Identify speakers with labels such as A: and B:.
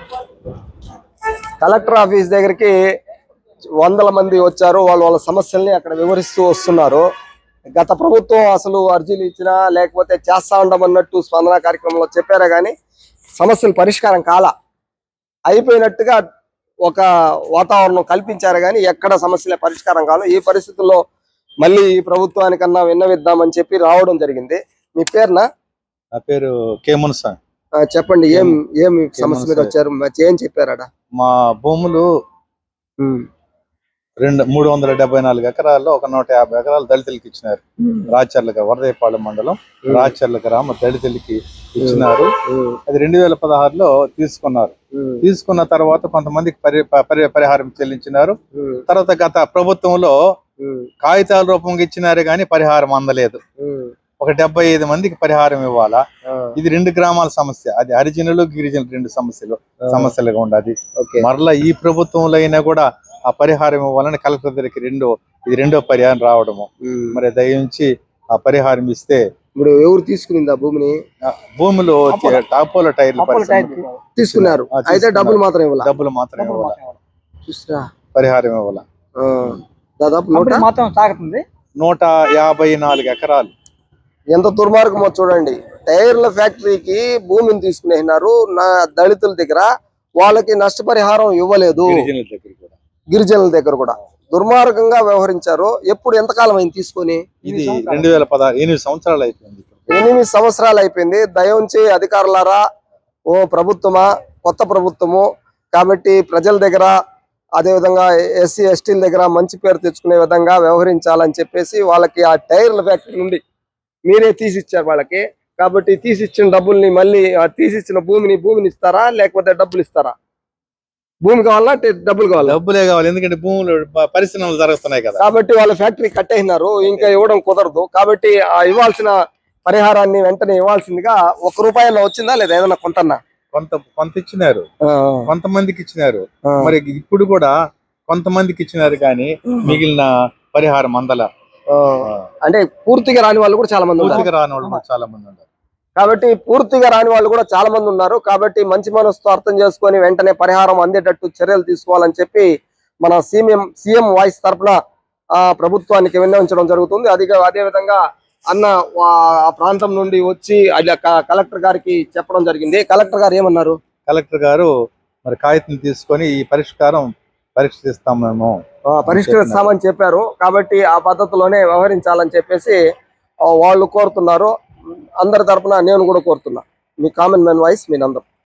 A: Collector office దగ్గరికి వందల మంది వచ్చారు. వాళ్ళ సమస్యల్ని అక్కడ వివరిస్తూ వస్తున్నారు. గత ప్రభుత్వం అసలు అర్జీలు ఇచ్చినా లేకపోతే చేస్తా ఉండమన్నట్టు స్పందన కార్యక్రమంలో చెప్పారా కానీ సమస్యలు పరిష్కారం కాలా. అయిపోయినట్టుగా ఒక వాతావరణం కల్పించారు కానీ ఎక్కడ సమస్యలే పరిష్కారం కాదు. ఈ పరిస్థితుల్లో మళ్ళీ ఈ ప్రభుత్వానికన్నా విన్నవిద్దామని చెప్పి రావడం జరిగింది. మీ పేరునా?
B: నా పేరు కే మున్సా.
A: చెప్పండి, ఏం సమస్య మీద వచ్చారు? ఏం చెప్పారట?
B: మా భూములు 374 ఎకరాల్లో 150 ఎకరాలు దళితులకి ఇచ్చినారు. రాచర్ల వరదయపాలెం మండలం రాచర్ల గ్రామ దళితులకి ఇచ్చినారు. అది 2016లో తీసుకున్నారు. తీసుకున్న తర్వాత కొంతమందికి పరిహారం చెల్లించినారు. తర్వాత గత ప్రభుత్వంలో కాగితాల రూపంగా ఇచ్చినారు కానీ పరిహారం అందలేదు. ఒక 75 మందికి పరిహారం ఇవ్వాలా. ఇది 2 గ్రామాల సమస్య. అది హరిజనులు గిరిజనులు 2 సమస్యలుగా ఉండదు. మరలా ఈ ప్రభుత్వంలో అయినా కూడా ఆ పరిహారం ఇవ్వాలని కలెక్టర్ దగ్గరికి ఇది రెండో పరిహారం రావడము. మరి దయించి ఆ పరిహారం ఇస్తే.
A: ఇప్పుడు ఎవరు తీసుకునింది ఆ భూమిని?
B: భూములు టాపోలో టైర్లు
A: తీసుకున్నారు. అయితే డబ్బులు మాత్రం ఇవ్వాలి.
B: పరిహారం ఇవ్వాల.
A: దాదాపు
B: 154 ఎకరాలు.
A: ఎంత దుర్మార్గమో చూడండి. టైర్ల ఫ్యాక్టరీకి భూమిని తీసుకునేసినారు. దళితుల దగ్గర వాళ్ళకి నష్టపరిహారం ఇవ్వలేదు. గిరిజనుల దగ్గర కూడా దుర్మార్గంగా వ్యవహరించారు. ఎప్పుడు ఎంతకాలం అయింది తీసుకొని?
B: ఇది 2016 8 సంవత్సరాలు అయిపోయింది.
A: 8 సంవత్సరాలు అయిపోయింది. దయించి అధికారులారా, ఓ ప్రభుత్వమా, కొత్త ప్రభుత్వము కాబట్టి ప్రజల దగ్గర అదేవిధంగా ఎస్సీ ఎస్టీల దగ్గర మంచి పేరు తెచ్చుకునే విధంగా వ్యవహరించాలని చెప్పేసి వాళ్ళకి ఆ టైర్ల ఫ్యాక్టరీ నుండి మీరే తీసిచ్చారు వాళ్ళకి. కాబట్టి తీసిచ్చిన డబ్బుల్ని మళ్ళీ తీసిచ్చిన భూమిని ఇస్తారా లేకపోతే డబ్బులు ఇస్తారా? భూమి కావాలా డబ్బులు కావాలా?
B: డబ్బులే కావాలి. ఎందుకంటే భూములు పరిశ్రమలు జరుగుతున్నాయి కదా.
A: కాబట్టి వాళ్ళ ఫ్యాక్టరీ కట్టేసినారు. ఇంకా ఇవ్వడం కుదరదు. కాబట్టి ఆ ఇవ్వాల్సిన పరిహారాన్ని వెంటనే ఇవ్వాల్సిందిగా. 1 రూపాయల్లో వచ్చిందా లేదా? ఏదైనా
B: కొంత ఇచ్చినారు, కొంతమందికి ఇచ్చినారు. మరి ఇప్పుడు కూడా కొంతమందికి ఇచ్చినారు కానీ మిగిలిన పరిహారం అందల.
A: అంటే పూర్తిగా రాని వాళ్ళు కూడా చాలా మంది ఉన్నారు. కాబట్టి పూర్తిగా రాని వాళ్ళు కూడా చాలా మంది ఉన్నారు. కాబట్టి మంచి మనసుతో అర్థం చేసుకొని వెంటనే పరిహారం అందేటట్టు చర్యలు తీసుకోవాలని చెప్పి మన సీఎం వాయిస్ తరఫున ప్రభుత్వానికి విన్నవించడం జరుగుతుంది. అదే విధంగా అన్న ఆ ప్రాంతం నుండి వచ్చి కలెక్టర్ గారికి చెప్పడం జరిగింది. కలెక్టర్ గారు ఏమన్నారు?
B: కలెక్టర్ గారు మరి కాగితం తీసుకొని ఈ
A: పరిష్కరిస్తామని చెప్పారు. కాబట్టి ఆ పద్ధతిలోనే వ్యవహరించాలని చెప్పేసి వాళ్ళు కోరుతున్నారు. అందరి తరపున నేను కూడా కోరుతున్నా. మీ కామన్ మ్యాన్ వాయిస్ మీ నందం.